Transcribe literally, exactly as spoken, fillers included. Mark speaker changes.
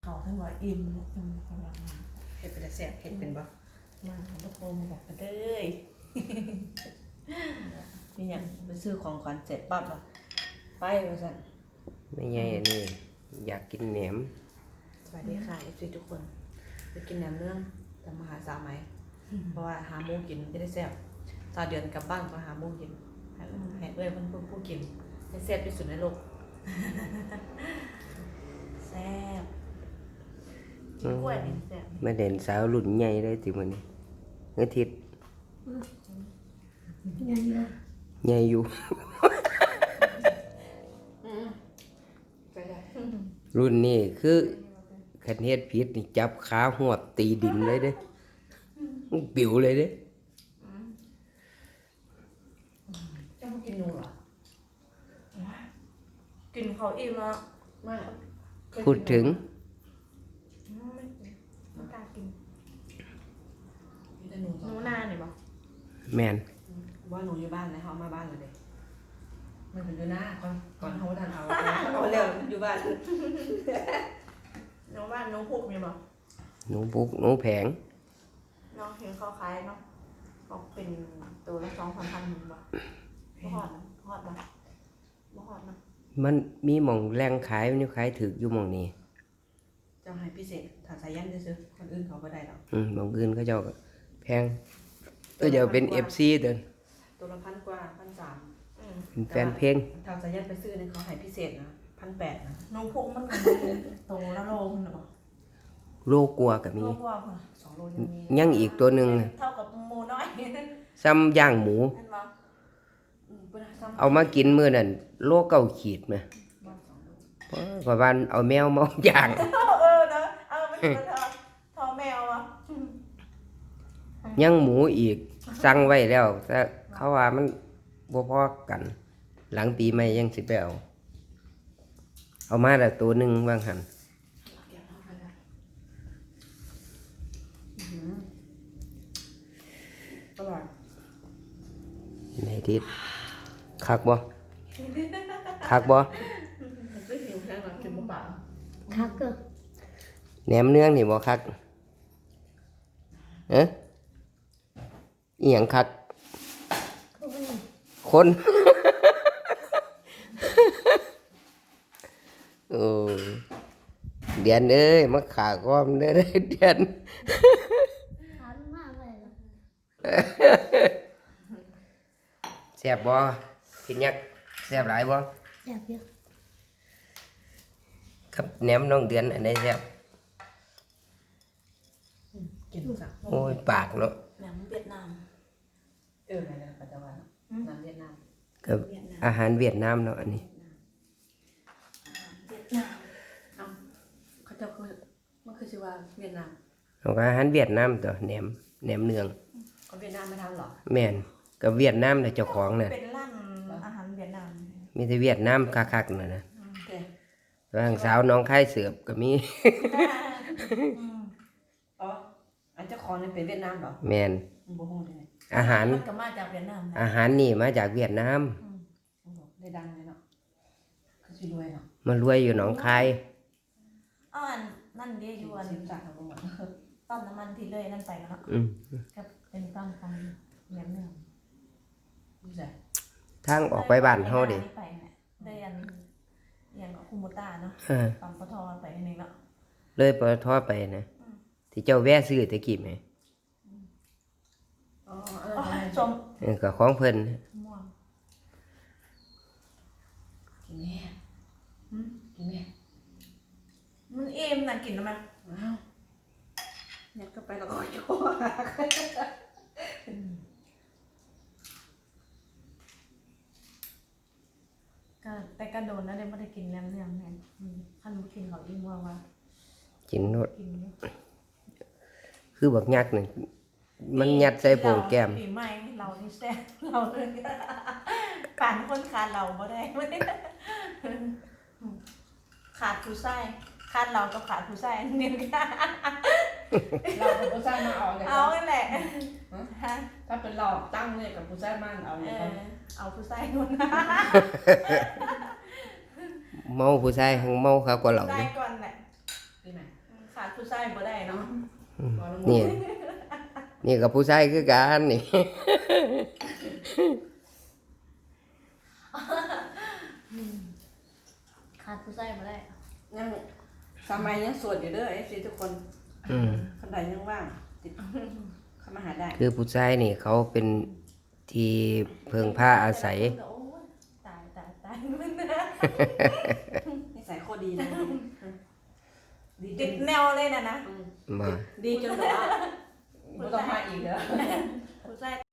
Speaker 1: เขาท่านว่าอิ่มเนี่ยอิ่มกำลังมา
Speaker 2: เห็ดเป็นแซ่บเห็ดเป็นบ่
Speaker 1: มาทุกคนมาบอกกันเด้ย
Speaker 2: นี่ยังไปซื้อของขวัญเสร็จปั๊บอ่ะไปว่าซั่น
Speaker 3: ไม่ใช่อันนี้อยากกินแหนม
Speaker 2: สวัสดีค่ะเอฟซีทุกคนไปกินแหนมเนืองแต่มาหาสาวไหมเพราะว่าหาโมงกินจะได้แซ่บตอนเดือนกลับบ้านก็หาโมงกินให้ให้เอ้ยเพิ่นเพิ่นผู้กินให้แซ่บที่สุดในโลกแซ่บกินกล้วยนี่แซ่บ
Speaker 3: มาเด่นสาวรุ่นใหญ่เลยติมื้อนี้อาทิตย์ใหญ่อยู่
Speaker 2: ไปได้
Speaker 3: รุ่นนี้คือคันเฮ็ดผิดนี่จับขาหวบตีดินเลยเด้ปิวเลยเด้
Speaker 2: เจ้ากินหนูเหรอ
Speaker 1: กินเขาอิ่มแล้ว
Speaker 2: ไม่
Speaker 3: พูดถึง
Speaker 1: ไม่ไม่กล้ากิน
Speaker 2: หนู
Speaker 1: หนูนาเนี่ยบอก
Speaker 3: แม่น
Speaker 2: ว่าหนูอยู่บ้านนะเขามาบ้านเลยเด็กมันถึงอยู่หน้าก่อนก่อนเขาดันเอาเอาเร็วอยู่บ้าน
Speaker 1: หนูบ้านหนูพุกมีบอก
Speaker 3: หนูบุกหนูแผง
Speaker 1: น้องเห็นเขาขายเนาะบอกเป็นตัวละสองพันพันบอกบ่ฮอดนะฮอดนะบ่ฮอดนะ
Speaker 3: มันมีหม่องแรงขายมันอยู่ขายถึกอยู่หม่องนี้
Speaker 2: เจ้าให้พิเศษถ้าสายยันซื้อคนอื่นเขาก็ได้หรอก
Speaker 3: อืมหม่องอื่นเขาเจ้าก็แพงก็เดี๋ยวเป็น เอฟ ซี เด้อ
Speaker 2: ตัวละพันกว่าพันสาม
Speaker 3: เป็นแฟนเพลง
Speaker 2: ถ้าสายยันไปซื้อเนี่ยเขาให้พิเศษนะพันแปดนะ
Speaker 1: หนูพุกมันตัวละโลนึงบอก
Speaker 3: โลกลัวก็มี
Speaker 1: โลกว่าค่ะ
Speaker 2: สองโลยังมี
Speaker 3: ยังอีกตัวนึง
Speaker 1: เท่ากับหมูน้อย
Speaker 3: ซ้ำย่างหมูเอามากินมื้อนั้นโลเก้าขีดมั้ยเพราะว่าเอาแมวมาย่าง
Speaker 1: เออนะเอาไปกินเถอะทอแมวอ่ะ
Speaker 3: ยังหมูอีกสั่งไว้แล้วแต่เขาว่ามันบ่พอกัน หลังปีใหม่ยังสิไปเอาเอามาแล้วตัวนึงว่างหั่น
Speaker 2: อร่อย
Speaker 3: ในทิศคักบ่คักบ่
Speaker 2: ไม่หิวแค่หรอกกินบ่เปล่า
Speaker 1: คักเกอ
Speaker 3: แหนมเนืองนี่บ่คักเอ๊ะอีหยังคักคนโอ้เดือนเอ้ยมาขาก้อมเด้อเดือนแซ่บบ่กินยักแซ่บหลายบ่
Speaker 1: แซ่บเยอะ
Speaker 3: ครับแหนมน้องเดือนอันไหนแซ่บ
Speaker 2: กินสัก
Speaker 3: โอ้ยปากเนาะ
Speaker 1: แหนมเวียดนาม
Speaker 2: เอออะไรนะปัจจุบันน้ำเวียดนาม
Speaker 3: กับอาหารเวียดนามเนาะอันนี้
Speaker 1: เวียดนาม
Speaker 2: เอาเขาจะคือมันคือชื่อว่าเวียดนาม
Speaker 3: ของอาหารเวียดนามตัวแหนมแหนมเนือง
Speaker 2: คนเวียดนามไม่ทำหรอ
Speaker 3: แม่นกับเวียดนามแต่เจ้าของน่ะ
Speaker 1: เป็นร้านอาหารเวียดนาม
Speaker 3: มีแต่เวียดนามคักๆน่ะนะร่างสาวน้องค่ายเสือบก็มี
Speaker 2: อ๋ออันเจ้าของนี่เป็นเวียดนามหรอ
Speaker 3: แม่น
Speaker 2: บ่ฮู้ได้
Speaker 3: อาหาร
Speaker 1: มันก็มาจากเวียดนาม
Speaker 3: อาหารนี่มาจากเวียดนาม
Speaker 2: ได้ดังเลยเนาะคือสิรวยเนาะ
Speaker 3: มันรวยอยู่หนองคาย
Speaker 1: อ้อนั่นเดียอยู่อันต้นน้ำมันที่เลยนั่นไปแล้วเนาะก็เป็นต้นของแหนมเนือง
Speaker 3: ทางออกไปบ้านเฮาดิ
Speaker 1: ไปเนี่ยได้อันอย่างคุโมต้าเนาะปั๊มปตทไปนึงเนาะ
Speaker 3: เลยปตทไปนะที่เจ้าแวะซื้อตะกี้มั้ย
Speaker 1: อ๋อเออชม
Speaker 3: เออก็ของเพิ่น
Speaker 1: ม่วง
Speaker 2: กินแม่หึกินแม่
Speaker 1: มันเอ็มน่ะกินแล้วมั้ย
Speaker 2: อ้าวยัดเข้าไปแล้วก็โย
Speaker 1: ก็แต่ก็โดนแล้วได้ไม่ได้กินแล้วเนี่ยแม่คันบ่กินเขาอิ่มว่าว่า
Speaker 3: กินโนดคือบักยักษ์นี่มันยัดใส่โป่งแก้ม
Speaker 1: ปีใหม่เรานี่แซ่บเราเลยป่านคนขาดเราบ่ได้ขาดผู้ชายขาดเรากับขาดผู้ชายนี่กัน
Speaker 2: เรากับผู้ชายมาเอาเลย
Speaker 1: เอาแหละ
Speaker 2: ถ้าเป็นเราตั้งเนี่ยกับผู้ชายมันเอาเลย
Speaker 1: เอาผู้ชายนู่น
Speaker 3: เมาผู้ชายหังเมาครับกว่าเรา
Speaker 1: ได้ก่อนแหละ
Speaker 2: นี่ไหมขาดผู้ชายบ่ได้เนาะ
Speaker 3: อืม
Speaker 2: บ่ละหมู
Speaker 3: นี่ นี่กับผู้ชายคือกันนี่
Speaker 1: ขาดผู้ชายมาได้
Speaker 2: ยังสมัยยังโสดอยู่เด้อ เอฟ ซี ทุกคน
Speaker 3: อืม
Speaker 2: คนใดยังว่างติดเข้ามาหาได้
Speaker 3: คือผู้ชายนี่เขาเป็นที่เพิ่งผ้าอาศัย
Speaker 1: โอ้ยตายตายตายมันนะ
Speaker 2: นิสัยโคตรดีเลยดีจ
Speaker 1: ติ
Speaker 2: น
Speaker 1: ดแนวเลยนะนะ
Speaker 2: อืม
Speaker 3: มา
Speaker 2: ดีจนแบบว่าไม่ต้องมาอีกแล้ว
Speaker 1: ผู้ชาย